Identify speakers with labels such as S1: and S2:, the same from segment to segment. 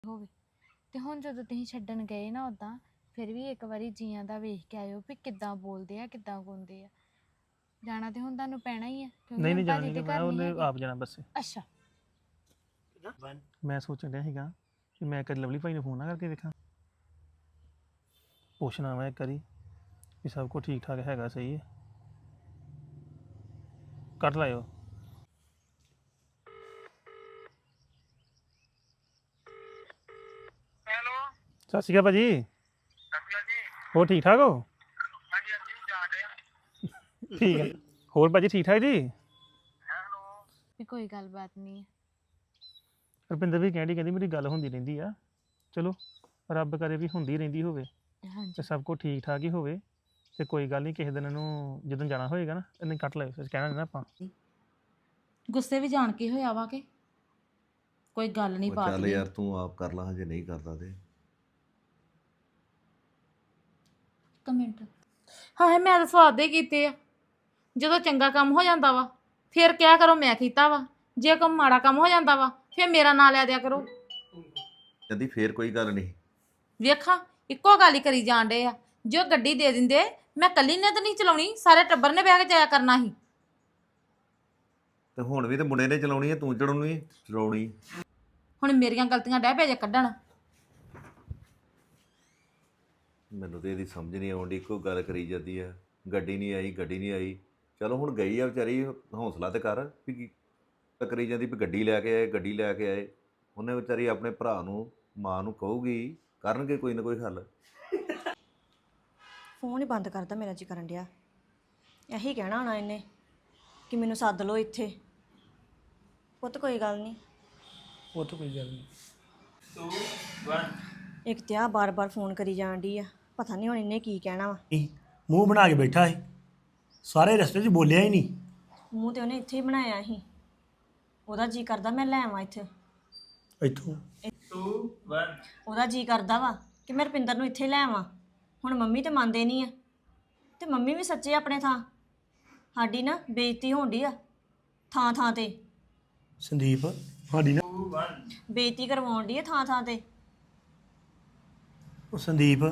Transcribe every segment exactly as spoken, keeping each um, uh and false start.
S1: ਹੋਵੇ ਤੇ ਹੁਣ ਜਦੋਂ ਤੁਸੀਂ ਛੱਡਣ ਗਏ ਨਾ ਉਦਾਂ ਫਿਰ ਵੀ ਇੱਕ ਵਾਰੀ ਜੀਆਂ ਦਾ ਵੇਖ ਕੇ ਆਇਓ ਵੀ ਕਿੱਦਾਂ ਬੋਲਦੇ ਆ ਕਿੱਦਾਂ ਗਾਉਂਦੇ ਆ। ਜਾਣਾ ਤੇ ਹੁਣ ਤੁਹਾਨੂੰ ਪੈਣਾ ਹੀ ਆ ਕਿਉਂਕਿ
S2: ਨਹੀਂ
S1: ਹੁਣ
S2: ਨਹੀਂ ਜਾਣਾ
S1: ਭਾਜੀ
S2: ਨਹੀਂ
S1: ਤੇ
S2: ਮੈਂ
S1: ਘਰ ਨਹੀਂ
S2: ਉਹਨੇ
S1: ਹੈਗੇ।
S2: ਆਪ ਜਾਣਾ ਬੱਸੇ।
S1: ਅੱਛਾ
S2: ਮੈਂ ਸੋਚਣ ਡਿਆ ਸੀਗਾ ਕਿ ਮੈਂ ਕਦੇ ਲਵਲੀ ਭਾਈ ਨੂੰ ਫੋਨ ਨਾ ਕਰਕੇ ਵੇਖਾਂ, ਪੁੱਛਣਾ ਵਾ ਇੱਕ ਵਾਰੀ ਵੀ ਸਭ ਕੁਝ ਠੀਕ ਠਾਕ ਹੈਗਾ, ਸਹੀ ਹੈ। ਕੱਟ ਲਾਇਓ।
S3: ਹੈਲੋ
S2: ਸਤਿ ਸ਼੍ਰੀ ਅਕਾਲ ਭਾਜੀ।
S3: ਸਤਿ ਜੀ।
S2: ਹੋਰ ਠੀਕ ਠਾਕ ਹੋ?
S3: ਹਾਂਜੀ ਹਾਂਜੀ ਜਾ ਰਹੇ
S2: ਠੀਕ ਹੈ। ਹੋਰ ਭਾਜੀ ਠੀਕ ਠਾਕ ਜੀ?
S3: ਹੈਲੋ
S1: ਵੀ ਕੋਈ ਗੱਲਬਾਤ ਨਹੀਂ।
S2: ਰੁਪਿੰਦਰ ਵੀ ਕਹਿੰਦੀ ਕਹਿੰਦੀ ਮੇਰੀ ਗੱਲ ਹੁੰਦੀ ਰਹਿੰਦੀ ਆ, ਚਲੋ ਰੱਬ ਕਰੇ ਵੀ ਹੁੰਦੀ ਰਹਿੰਦੀ ਹੋਵੇ ਤੇ
S1: ਹਾਂਜੀ
S2: ਸਭ ਕੁਝ ਠੀਕ ਠਾਕ ਹੀ ਹੋਵੇ। ਤੇ ਕੋਈ ਗੱਲ ਨਹੀਂ, ਕਿਸੇ ਦਿਨ ਇਹਨੂੰ ਜਦੋਂ ਜਾਣਾ ਹੋਏਗਾ ਨਾ ਇਹਨੇ ਕੱਟ ਲਾਇਓ, ਫਿਰ ਕਹਿਣਾ ਨੀ ਨਾ ਆਪਾਂ।
S4: ਗੁੱਸੇ ਵੀ ਜਾਣ ਕੇ ਹੋਇਆ ਵਾ ਕਿ ਕੋਈ ਗੱਲ ਨਹੀਂ
S5: ਉਹ
S4: ਬਾਤ
S5: ਚੱਲ
S4: ਨਹੀਂ।
S5: ਯਾਰ ਤੂੰ ਆਪ ਕਰ ਲਾ, ਹਜੇ ਨਹੀਂ ਕਰਦਾ ਤੇ
S4: ਕਮੈਂਟ ਹਾਂ ਮੈਂ ਤਾਂ ਸਵਾਦ ਦੇ ਕੀਤੇ ਆ। ਜਦੋਂ ਚੰਗਾ ਕੰਮ ਹੋ ਜਾਂਦਾ ਵਾ ਫਿਰ ਕਿਆ ਕਰੋ ਮੈਂ ਕੀਤਾ ਵਾ, ਜੇ ਕੋਈ ਮਾੜਾ ਕੰਮ ਹੋ ਜਾਂਦਾ ਵਾ ਫਿਰ ਮੇਰਾ ਨਾਂ ਲੈ ਦਿਆ ਕਰੋ।
S5: ਕਹਿੰਦੀ ਫੇਰ ਕੋਈ ਗੱਲ ਨਹੀਂ।
S4: ਵੇਖਾਂ ਇੱਕੋ ਗੱਲ ਹੀ ਕਰੀ ਜਾਣ ਡੇ ਆ। ਜੋ ਗੱਡੀ ਦੇ ਦਿੰਦੇ ਮੈਂ ਕੱਲੀ ਨੇ ਤਾਂ ਨਹੀਂ ਚਲਾਉਣੀ, ਸਾਰੇ ਟੱਬਰ ਨੇ ਬਹਿ ਕੇ ਜਾਇਆ ਕਰਨਾ ਸੀ।
S5: ਤੇ ਹੁਣ ਵੀ ਤੇ ਮੁੰਡੇ ਨੇ ਚਲਾਉਣੀ ਹੈ, ਤੂੰ ਚੜਾਉਣੀ ਚਲਾਉਣੀ।
S4: ਹੁਣ ਮੇਰੀਆਂ ਗਲਤੀਆਂ ਡਹਿ ਪਿਆ ਜੇ ਕੱਢਣ।
S5: ਮੈਨੂੰ ਤੇ ਇਹਦੀ ਸਮਝ ਨਹੀਂ ਆਉਂਦੀ, ਇੱਕੋ ਗੱਲ ਕਰੀ ਜਾਂਦੀ ਆ, ਗੱਡੀ ਨਹੀਂ ਆਈ ਗੱਡੀ ਨਹੀਂ ਆਈ। ਚਲੋ ਹੁਣ ਗਈ ਆ ਵਿਚਾਰੀ, ਹੌਸਲਾ ਤੇ ਕਰ ਵੀ ਕੀ ਕਰੀ ਜਾਂਦੀ ਵੀ ਗੱਡੀ ਲੈ ਕੇ ਆਏ ਗੱਡੀ ਲੈ ਕੇ ਆਏ। ਉਹਨੇ ਵਿਚਾਰੀ ਆਪਣੇ ਭਰਾ ਨੂੰ ਮਾਂ ਨੂੰ ਕਹੂਗੀ, ਕਰਨਗੇ ਕੋਈ ਨਾ ਕੋਈ ਹੱਲ।
S6: ਫੋਨ ਹੀ ਬੰਦ ਕਰਦਾ, ਮੇਰਾ ਜੀ ਕਰਨ ਡਿਆ। ਇਹੀ ਕਹਿਣਾ ਹੋਣਾ ਇਹਨੇ ਕਿ ਮੈਨੂੰ ਸੱਦ ਲਓ ਇੱਥੇ। ਪੁੱਤ ਕੋਈ ਗੱਲ ਨਹੀਂ,
S2: ਉਹ ਤਾਂ ਕੋਈ ਗੱਲ ਨਹੀਂ।
S6: ਇੱਕ ਤੇ ਆ ਬਾਰ-ਬਾਰ ਫੋਨ ਕਰੀ ਜਾਣ ਡਈ ਆ, ਪਤਾ ਨਹੀਂ ਹੁਣ ਇਹਨੇ ਕੀ ਕਹਿਣਾ ਵਾ।
S7: ਨਹੀਂ, ਮੂੰਹ ਬਣਾ ਕੇ ਬੈਠਾ ਹੈ, ਸਾਰੇ ਰਸਤੇ 'ਚ ਬੋਲਿਆ ਹੀ ਨਹੀਂ।
S6: ਮੂੰਹ ਤੇ ਉਹਨੇ ਇੱਥੇ ਹੀ ਬਣਾਇਆ ਸੀ। ਉਹਦਾ ਜੀ ਕਰਦਾ ਮੈਂ ਲੈ ਆਵਾਂ ਇੱਥੇ।
S7: ਇੱਥੋਂ
S6: ਉਹਦਾ ਜੀ ਕਰਦਾ ਵਾ ਕਿ ਮੈਂ ਰੁਪਿੰਦਰ ਨੂੰ ਇੱਥੇ ਲੈ ਆਵਾਂ। ਹੁਣ ਮੰਮੀ ਤੇ ਮੰਨਦੇ ਨਹੀਂ ਆ, ਤੇ ਮੰਮੀ ਵੀ ਸੱਚੇ ਆਪਣੇ ਥਾਂ। ਸਾਡੀ ਨਾ ਬੇਇੱਜ਼ਤੀ ਹੋਣ ਡਈ ਆ ਥਾਂ ਥਾਂ ਤੇ।
S7: ਸੰਦੀਪ ਸਾਡੀ ਨਾ
S6: ਬੇਇੱਜ਼ਤੀ ਕਰਵਾਉਣ ਡਈ ਆ ਥਾਂ ਥਾਂ ਤੇ।
S7: ਉਹ ਸੰਦੀਪ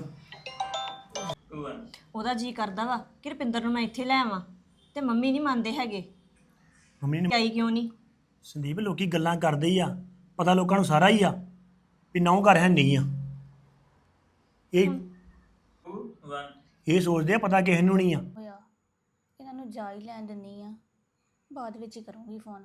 S6: ਉਹਦਾ ਜੀ ਕਰਦਾ ਵਾ ਕਿ ਰੁਪਿੰਦਰ ਨੂੰ ਮੈਂ ਇੱਥੇ ਲੈ ਆਵਾਂ, ਤੇ ਮੰਮੀ ਨਹੀਂ ਮੰਨਦੇ ਹੈਗੇ।
S7: ਮੰਮੀ ਨੇ
S6: ਆਈ ਕਿਉਂ ਨਹੀਂ?
S7: ਸੰਦੀਪ ਲੋਕੀ ਗੱਲਾਂ ਕਰਦੇ ਹੀ ਆ, ਪਤਾ ਲੋਕਾਂ ਨੂੰ ਸਾਰਾ ਹੀ ਆ ਵੀ ਨਹੁੰ ਘਰ ਹੈ ਨਹੀਂ ਆ। ਇਹ ਇਹ ਸੋਚਦੇ ਆ ਪਤਾ ਕਿਸੇ ਨੂੰ ਨਹੀਂ ਆ।
S8: ਹੋਇਆ ਇਹਨਾਂ ਨੂੰ ਜਾ ਹੀ ਲੈਣ ਦਿੰਨੀ ਆ, ਬਾਅਦ ਵਿੱਚ ਹੀ ਕਰੂੰਗੀ ਫੋਨ।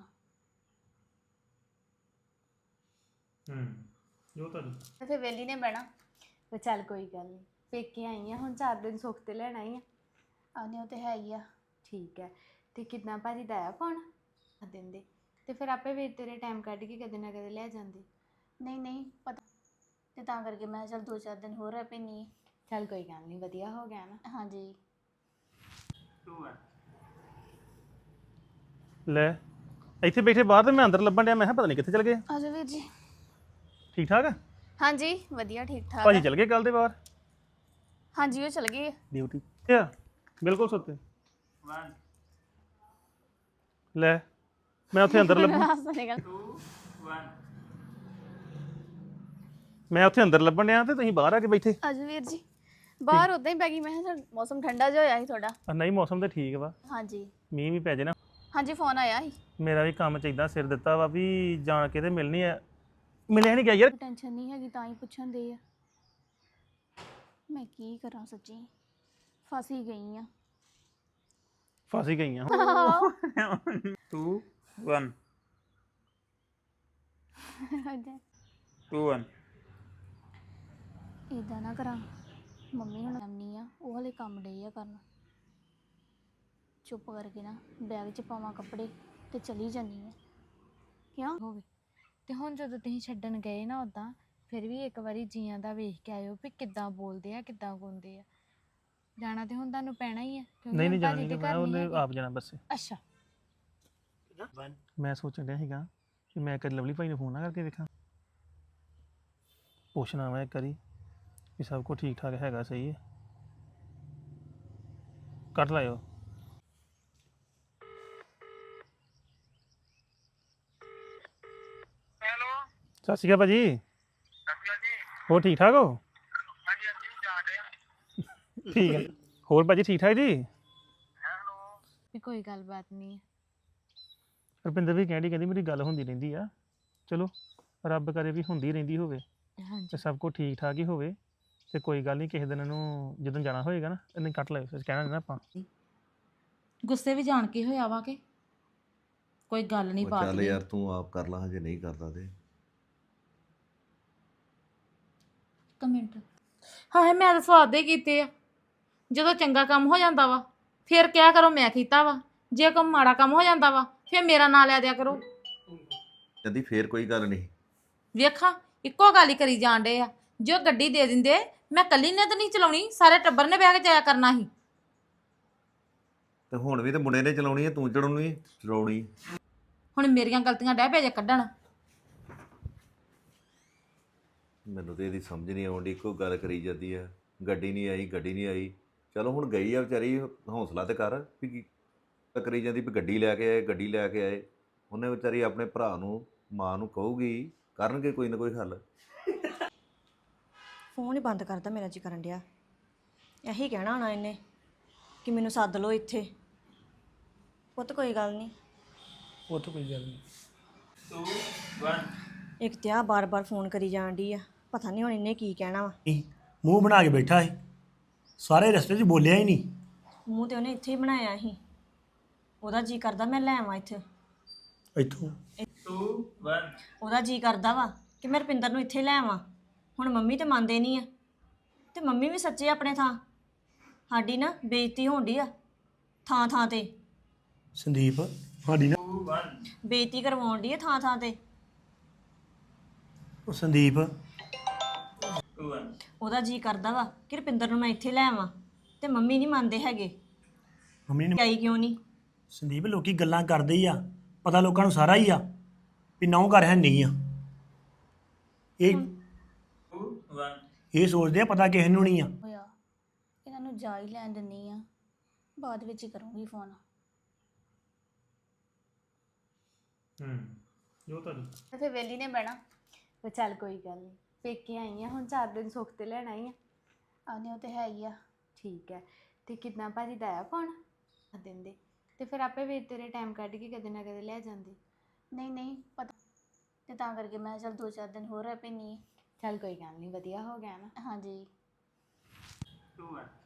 S2: ਹੂੰ ਜੋ ਤੁਹਾਡੀ
S1: ਫਿਰ ਵੇਲੀ ਨੇ ਬਹਿਣਾ ਤੇ ਚੱਲ ਕੋਈ ਗੱਲ ਨਹੀਂ, ਪੇਕੇ ਆਈ ਆ ਹੁਣ ਚਾਰ ਦਿਨ ਸੁੱਖ ਤੇ ਲੈਣਾ ਹੀ ਆ।
S8: ਆਨੇ ਉਹ ਤੇ ਹੈ ਹੀ ਆ।
S1: ਠੀਕ ਹੈ। ਤੇ ਕਿੰਨਾ ਭਾਜੀ ਦਾ ਆਇਆ ਫੋਨ ਆ ਦਿੰਦੇ ਤੇ ਫਿਰ ਆਪੇ ਵੀ ਤੇਰੇ ਟਾਈਮ ਕੱਢ ਕੇ ਕਦੇ ਨਾ ਕਦੇ ਲੈ ਜਾਂਦੇ।
S8: ਨਹੀਂ ਨਹੀਂ ਪਤਾ, ਤੇ ਤਾਂ ਕਰਕੇ ਮੈਂ ਚੱਲ ਦੋ ਚਾਰ ਦਿਨ ਹੋਰ ਰਹਿ ਪੈਣੀ।
S1: ਚੱਲ ਕੋਈ ਗੱਲ ਨਹੀਂ, ਵਧੀਆ ਹੋ ਗਿਆ ਨਾ।
S8: ਹਾਂਜੀ
S2: ਲੈ ਇੱਥੇ ਬੈਠੇ ਬਾਹਰ ਤੇ ਮੈਂ ਅੰਦਰ ਲੱਭਣ ਡਿਆ, ਮੈਂ ਕਿਹਾ ਪਤਾ ਨਹੀਂ ਕਿੱਥੇ ਚਲ ਗਏ।
S8: ਆਜੋ ਵੀਰ ਜੀ।
S2: ਠੀਕ ਠਾਕ ਆ?
S8: ਹਾਂਜੀ ਵਧੀਆ ਠੀਕ ਠਾਕ
S2: ਭਾਜੀ
S8: ਆ।
S2: ਚਲ ਗਏ ਕੱਲ ਦੇ ਬਾਹਰ
S8: ਹਾਂਜੀ ਉਹ ਚਲ ਗਏ।
S2: ਡਿਊਟੀ ਆ ਬਿਲਕੁਲ ਸੁੱਤੇ। ਲੈ ਮੈਂ ਉੱਥੇ ਅੰਦਰ ਲੱਭਣ ਮੈਂ ਉੱਥੇ ਅੰਦਰ ਲੱਭਣ ਡਿਆ ਤੇ ਤੁਸੀਂ ਬਾਹਰ ਆ ਕੇ ਬੈਠੇ।
S8: ਆਜੋ ਵੀਰ ਜੀ। ਬਾਹਰ ਉਦਾਂ ਹੀ ਪੈ ਗਈ, ਮੈਂ ਕਿਹਾ ਚੱਲ ਮੌਸਮ ਠੰਡਾ ਜਿਹਾ ਹੋਇਆ ਸੀ ਥੋੜਾ।
S2: ਆ ਨਹੀਂ ਮੌਸਮ ਤੇ ਠੀਕ ਵਾ,
S8: ਹਾਂਜੀ
S2: ਮੀਂਹ ਵੀ ਪੈ ਜੇ ਨਾ।
S8: ਹਾਂਜੀ ਫੋਨ ਆਇਆ ਸੀ।
S2: ਮੇਰਾ ਵੀ ਕੰਮ ਚ ਇਦਾਂ ਸਿਰ ਦਿੱਤਾ ਵਾ ਵੀ ਜਾਣ ਕੇ ਤੇ ਮਿਲਣੀ ਆ, ਮਿਲਿਆ ਨਹੀਂ ਗਿਆ ਯਾਰ।
S8: ਟੈਨਸ਼ਨ ਨਹੀਂ ਹੈਗੀ ਤਾਂ ਹੀ ਪੁੱਛਣ ਦੇ ਆ। ਮੈਂ ਕੀ ਕਰਾਂ ਸੱਚੀ, ਫਸ ਹੀ ਗਈ ਆ।
S2: ਫਸ ਹੀ ਗਈਆਂ।
S3: ਟੂ ਵਨ ਟੂ ਵਨ
S8: ਇਦਾਂ ਨਾ ਕਰਾਂ, ਮੰਮੀ ਹੁਣ ਆਉਣੀ ਆ, ਉਹ ਹਲੇ ਕੰਮ ਡੇ ਆ ਕਰਨ। ਚੁੱਪ ਕਰਕੇ ਨਾ ਬੈਗ 'ਚ ਪਾਵਾਂ ਕੱਪੜੇ ਤੇ ਚਲੀ ਜਾਂਦੀ ਆ। ਕਿਉਂ
S1: ਹੋਵੇ ਤੇ ਹੁਣ ਜਦੋਂ ਤੁਸੀਂ ਛੱਡਣ ਗਏ ਨਾ ਉਦਾਂ ਫਿਰ ਵੀ ਇੱਕ ਵਾਰੀ ਜੀਆਂ ਦਾ ਵੇਖ ਕੇ ਆਇਓ ਵੀ ਕਿੱਦਾਂ ਬੋਲਦੇ ਆ ਕਿੱਦਾਂ ਗਾਉਂਦੇ ਆ। ਜਾਣਾ ਤੇ ਹੁਣ ਤੁਹਾਨੂੰ ਪੈਣਾ ਹੀ ਆ ਕਿਉਂਕਿ
S2: ਨਹੀਂ
S1: ਹੁਣ
S2: ਨਹੀਂ ਜਾਣਾ
S1: ਭਾਜੀ
S2: ਨਹੀਂ
S1: ਤੇ
S2: ਮੈਂ
S1: ਘਰ
S2: ਉਹਨੇ
S1: ਨਹੀਂ ਹੈਗੇ।
S2: ਆਪ ਜਾਣਾ ਬੱਸੇ।
S1: ਅੱਛਾ
S2: ਮੈਂ ਸੋਚਣ ਡਿਆ ਸੀਗਾ ਕਿ ਮੈਂ ਕਦੇ ਲਵਲੀ ਭਾਈ ਨੂੰ ਫੋਨ ਨਾ ਕਰਕੇ ਵੇਖਾਂ, ਪੁੱਛਣਾ ਵਾ ਇੱਕ ਵਾਰੀ ਵੀ ਸਭ ਕੁਝ ਠੀਕ ਠਾਕ ਹੈਗਾ, ਸਹੀ ਹੈ। ਕੱਟ ਲਾਇਓ।
S3: ਹੈਲੋ
S2: ਸਤਿ ਸ਼੍ਰੀ ਅਕਾਲ ਭਾਜੀ।
S3: ਸਤਿ
S2: ਹੋਰ ਠੀਕ ਠਾਕ ਹੋ?
S3: ਹਾਂਜੀ ਹਾਂਜੀ ਜਾਣ ਰਹੇ
S2: ਠੀਕ ਹੈ। ਹੋਰ ਭਾਜੀ ਠੀਕ ਠਾਕ ਜੀ?
S3: ਹੈਲੋ
S1: ਵੀ ਕੋਈ ਗੱਲਬਾਤ ਨਹੀਂ
S2: ਰੁਪਿੰਦਰ ਵੀ ਕਹਿੰਦੀ ਕਹਿੰਦੀ ਮੇਰੀ ਗੱਲ ਹੁੰਦੀ ਰਹਿੰਦੀ ਆ। ਚਲੋ ਰੱਬ ਕਰੇ ਵੀ ਹੁੰਦੀ ਰਹਿੰਦੀ ਹੋਵੇ ਤੇ
S1: ਹਾਂਜੀ
S2: ਸਭ ਕੁਝ ਠੀਕ ਠਾਕ ਹੀ ਹੋਵੇ। ਤੇ ਕੋਈ ਗੱਲ ਨਹੀਂ, ਕਿਸੇ ਦਿਨ ਇਹਨੂੰ ਜਦੋਂ ਜਾਣਾ ਹੋਏਗਾ ਨਾ ਇਹਨੇ ਕੱਟ ਲਿਓ, ਫਿਰ ਕਹਿਣਾ ਨੀ ਨਾ ਆਪਾਂ।
S4: ਗੁੱਸੇ ਵੀ ਜਾਣ ਕੇ ਹੋਇਆ ਵਾ ਕਿ ਕੋਈ ਗੱਲ ਨਹੀਂ
S5: ਉਹ
S4: ਬਾਤ
S5: ਚੱਲ
S4: ਨਹੀਂ
S5: ਯਾਰ ਤੂੰ ਆਪ ਕਰ ਲਾ, ਹਜੇ ਨਹੀਂ ਕਰਦਾ ਤੇ
S4: ਕਮੈਂਟ ਹਾਂ ਮੈਂ ਤਾਂ ਸਵਾਦ ਦੇ ਕੀਤੇ ਆ। ਜਦੋਂ ਚੰਗਾ ਕੰਮ ਹੋ ਜਾਂਦਾ ਵਾ ਫਿਰ ਕਿਆ ਕਰੋ ਮੈਂ ਕੀਤਾ ਵਾ, ਜੇ ਕੋਈ ਮਾੜਾ ਕੰਮ ਹੋ ਜਾਂਦਾ ਵਾ ਫਿਰ ਮੇਰਾ ਨਾਂ ਲੈ ਦਿਆ ਕਰੋ।
S5: ਕਹਿੰਦੀ ਫੇਰ ਕੋਈ ਗੱਲ ਨਹੀਂ।
S4: ਵੇਖਾਂ ਇੱਕੋ ਗੱਲ ਹੀ ਕਰੀ ਜਾਣ ਡੇ ਆ। ਜੋ ਗੱਡੀ ਦੇ ਦਿੰਦੇ ਮੈਂ ਕੱਲੀ ਨੇ ਤਾਂ ਨਹੀਂ ਚਲਾਉਣੀ, ਸਾਰੇ ਟੱਬਰ ਨੇ ਬਹਿ ਕੇ ਜਾਇਆ ਕਰਨਾ ਸੀ।
S5: ਤੇ ਹੁਣ ਵੀ ਤੇ ਮੁੰਡੇ ਨੇ ਚਲਾਉਣੀ ਹੈ, ਤੂੰ ਚੜਾਉਣੀ ਚਲਾਉਣੀ।
S4: ਹੁਣ ਮੇਰੀਆਂ ਗਲਤੀਆਂ ਡਹਿ ਪੈ ਜੇ ਕੱਢਣ।
S5: ਮੈਨੂੰ ਤੇ ਇਹਦੀ ਸਮਝ ਨਹੀਂ ਆਉਂਦੀ, ਇੱਕੋ ਗੱਲ ਕਰੀ ਜਾਂਦੀ ਆ ਗੱਡੀ ਨਹੀਂ ਆਈ ਗੱਡੀ ਨਹੀਂ ਆਈ। ਚਲੋ ਹੁਣ ਗਈ ਆ ਵਿਚਾਰੀ, ਹੌਸਲਾ ਤੇ ਕਰ ਵੀ ਕੀ ਕਰੀ ਜਾਂਦੀ ਵੀ ਗੱਡੀ ਲੈ ਕੇ ਆਏ ਗੱਡੀ ਲੈ ਕੇ ਆਏ। ਉਹਨੇ ਵਿਚਾਰੀ ਆਪਣੇ ਭਰਾ ਨੂੰ ਮਾਂ ਨੂੰ ਕਹੂਗੀ, ਕਰਨਗੇ ਕੋਈ ਨਾ ਕੋਈ ਹੱਲ।
S6: ਫੋਨ ਹੀ ਬੰਦ ਕਰਦਾ ਮੇਰਾ ਜੀ ਕਰਨ ਡਿਆ। ਇਹੀ ਕਹਿਣਾ ਹੋਣਾ ਇਹਨੇ ਕਿ ਮੈਨੂੰ ਸੱਦ ਲਓ ਇੱਥੇ। ਪੁੱਤ ਕੋਈ ਗੱਲ ਨਹੀਂ।
S2: ਉਹ ਤਾਂ ਕੋਈ ਗੱਲ ਨਹੀਂ।
S3: ਟੂ ਵਨ
S6: ਇੱਕ ਤੇ ਆ ਬਾਰ-ਬਾਰ ਫੋਨ ਕਰੀ ਜਾਣ ਡਈ ਆ, ਪਤਾ ਨਹੀਂ ਹੁਣ ਇਹਨੇ ਕੀ ਕਹਿਣਾ ਵਾ।
S7: ਨਹੀਂ, ਮੂੰਹ ਬਣਾ ਕੇ ਬੈਠਾ ਹੈ, ਸਾਰੇ ਰਸਤੇ 'ਚ ਬੋਲਿਆ ਹੀ ਨਹੀਂ।
S6: ਮੂੰਹ ਤੇ ਉਹਨੇ ਇੱਥੇ ਹੀ ਬਣਾਇਆ ਸੀ। ਉਹਦਾ ਜੀ ਕਰਦਾ ਮੈਂ ਲੈ ਆਵਾਂ ਇੱਥੇ।
S7: ਇੱਥੋਂ
S3: ਟੂ ਵਨ
S6: ਉਹਦਾ ਜੀ ਕਰਦਾ ਵਾ ਕਿ ਮੈਂ ਰੁਪਿੰਦਰ ਨੂੰ ਇੱਥੇ ਲੈ ਆਵਾਂ। ਹੁਣ ਮੰਮੀ ਤੇ ਮੰਨਦੇ ਨਹੀਂ ਆ, ਤੇ ਮੰਮੀ ਵੀ ਸੱਚੇ ਆਪਣੇ ਥਾਂ। ਸਾਡੀ ਨਾ ਬੇਇੱਜ਼ਤੀ ਹੋਣ ਡਈ ਆ ਥਾਂ ਥਾਂ ਤੇ।
S7: ਸੰਦੀਪ ਸਾਡੀ ਨਾ
S3: ਟੂ ਵਨ
S6: ਬੇਇੱਜ਼ਤੀ ਕਰਵਾਉਣ ਡਈ ਆ ਥਾਂ ਥਾਂ ਤੇ।
S7: ਉਹ ਸੰਦੀਪ
S3: ਟੂ ਵਨ
S6: ਉਹਦਾ ਜੀ ਕਰਦਾ ਵਾ ਕਿ ਰੁਪਿੰਦਰ ਨੂੰ ਮੈਂ ਇੱਥੇ ਲੈ ਆਵਾਂ, ਤੇ ਮੰਮੀ ਨਹੀਂ ਮੰਨਦੇ ਹੈਗੇ।
S7: ਮੰਮੀ ਨੇ
S6: ਆਈ ਕਿਉਂ ਨਹੀਂ?
S7: ਸੰਦੀਪ ਲੋਕੀ ਗੱਲਾਂ ਕਰਦੇ ਹੀ ਆ, ਪਤਾ ਲੋਕਾਂ ਨੂੰ ਸਾਰਾ ਹੀ ਆ ਵੀ ਨਹੁੰ ਘਰ ਹੈ ਨਹੀਂ ਆ। ਇਹ
S3: ਟੂ ਵਨ
S7: ਇਹ ਸੋਚਦੇ ਆ ਪਤਾ ਕਿਸੇ ਨੂੰ ਨਹੀਂ ਆ।
S8: ਹੋਇਆ ਇਹਨਾਂ ਨੂੰ ਜਾ ਹੀ ਲੈਣ ਦਿੰਨੀ ਆ, ਬਾਅਦ ਵਿੱਚ ਹੀ ਕਰੂੰਗੀ ਫੋਨ।
S2: ਹੂੰ ਜੋ ਤੁਹਾਡੀ
S1: ਤੇ ਫਿਰ ਵੇਲੀ ਨੇ ਬਹਿਣਾ। ਤੇ ਚੱਲ ਕੋਈ ਗੱਲ ਨਹੀਂ, ਪੇਕੇ ਆਈ ਆ ਹੁਣ ਚਾਰ ਦਿਨ ਸੁੱਖ ਤੇ ਲੈਣ ਆਈ ਆ।
S8: ਆਨੇ ਉਹ ਤੇ ਹੈ ਹੀ ਆ।
S1: ਠੀਕ ਹੈ। ਤੇ ਕਿੱਦਾਂ ਭਾਜੀ ਦਾ ਆਇਆ ਫੋਨ ਆ ਦਿੰਦੇ ਤੇ ਫਿਰ ਆਪੇ ਵੀ ਤੇਰੇ ਟਾਈਮ ਕੱਢ ਕੇ ਕਦੇ ਨਾ ਕਦੇ ਲੈ ਜਾਂਦੇ।
S8: ਨਹੀਂ ਨਹੀਂ ਪਤਾ, ਤੇ ਤਾਂ ਕਰਕੇ ਮੈਂ ਚਲ ਦੋ ਚਾਰ ਦਿਨ ਹੋਰ ਰਹਿ ਪੈਣੀ।
S1: ਚੱਲ ਕੋਈ ਗੱਲ ਨਹੀਂ, ਵਧੀਆ ਹੋ ਗਿਆ ਨਾ।
S8: ਹਾਂਜੀ
S3: ਟੂ ਵਨ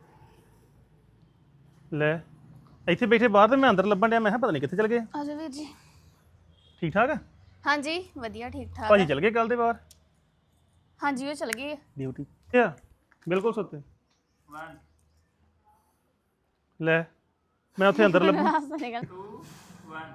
S2: ਲੈ ਇੱਥੇ ਬੈਠੇ ਬਾਹਰ ਤੇ ਮੈਂ ਅੰਦਰ ਲੱਭਣ ਡਿਆ, ਮੈਂ ਕਿਹਾ ਪਤਾ ਨਹੀਂ ਕਿੱਥੇ ਚਲ ਗਏ।
S8: ਆਜੋ ਵੀਰ ਜੀ।
S2: ਠੀਕ ਠਾਕ ਆ?
S8: ਹਾਂਜੀ ਵਧੀਆ ਠੀਕ ਠਾਕ
S2: ਭਾਜੀ
S8: ਆ।
S2: ਚਲ ਗਏ ਕੱਲ ਦੇ ਬਾਹਰ
S8: ਹਾਂਜੀ ਉਹ ਚਲ ਗਏ ਆ।
S2: ਡਿਊਟੀ ਆ ਬਿਲਕੁਲ ਸੁੱਤੇ।
S3: ਵਨ
S2: ਲੈ ਮੈਂ ਉੱਥੇ ਅੰਦਰ ਲੱਭਣ
S8: ਹੱਸਣੇ ਗੱਲ।
S3: ਟੂ ਵਨ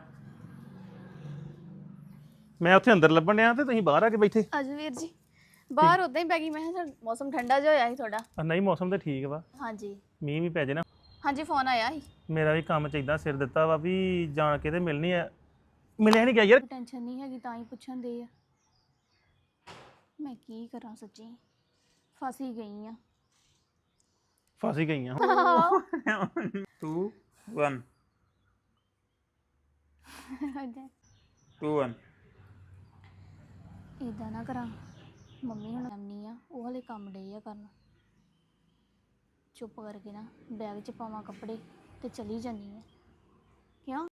S2: ਮੈਂ ਉੱਥੇ ਅੰਦਰ ਲੱਭਣ ਡਿਆ ਤੇ ਤੁਸੀਂ ਬਾਹਰ ਆ ਕੇ ਬੈਠੇ।
S8: ਆਜੋ ਵੀਰ ਜੀ। ਬਾਹਰ ਉਦਾਂ ਹੀ ਪੈ ਗਈ, ਮੈਂ ਕਿਹਾ ਚੱਲ ਮੌਸਮ ਠੰਡਾ ਜਿਹਾ ਹੋਇਆ ਸੀ ਥੋੜਾ।
S2: ਆ ਨਹੀਂ ਮੌਸਮ ਤੇ ਠੀਕ ਵਾ,
S8: ਹਾਂਜੀ
S2: ਮੀਂਹ ਵੀ ਪੈ ਜੇ ਨਾ।
S8: ਹਾਂਜੀ ਫੋਨ ਆਇਆ ਸੀ।
S2: ਮੇਰਾ ਵੀ ਕੰਮ ਚ ਏਦਾਂ ਸਿਰ ਦਿੱਤਾ ਵਾ ਵੀ ਜਾਣ ਕੇ ਤੇ ਮਿਲਣੀ ਆ, ਮਿਲਿਆ ਨਹੀਂ ਗਿਆ ਯਾਰ।
S8: ਟੈਨਸ਼ਨ ਨਹੀਂ ਹੈਗੀ ਤਾਂ ਹੀ ਪੁੱਛਣ ਦੇ ਆ। ਮੈਂ ਕੀ ਕਰਾਂ ਸੱਚੀ, ਫਸ ਹੀ ਗਈ ਆ।
S2: ਫਸ ਹੀ ਗਈਆਂ।
S3: ਟੂ ਵਨ ਟੂ ਵਨ
S8: ਇਦਾਂ ਨਾ ਕਰਾਂ, ਮੰਮੀ ਹੁਣ ਆਉਣੀ ਆ, ਉਹ ਹਲੇ ਕੰਮ ਡੇ ਆ ਕਰਨ। ਚੁੱਪ ਕਰਕੇ ਨਾ ਬੈਗ 'ਚ ਪਾਵਾਂ ਕੱਪੜੇ ਤੇ ਚਲੀ ਜਾਂਦੀ ਆ। ਕਿਉਂ?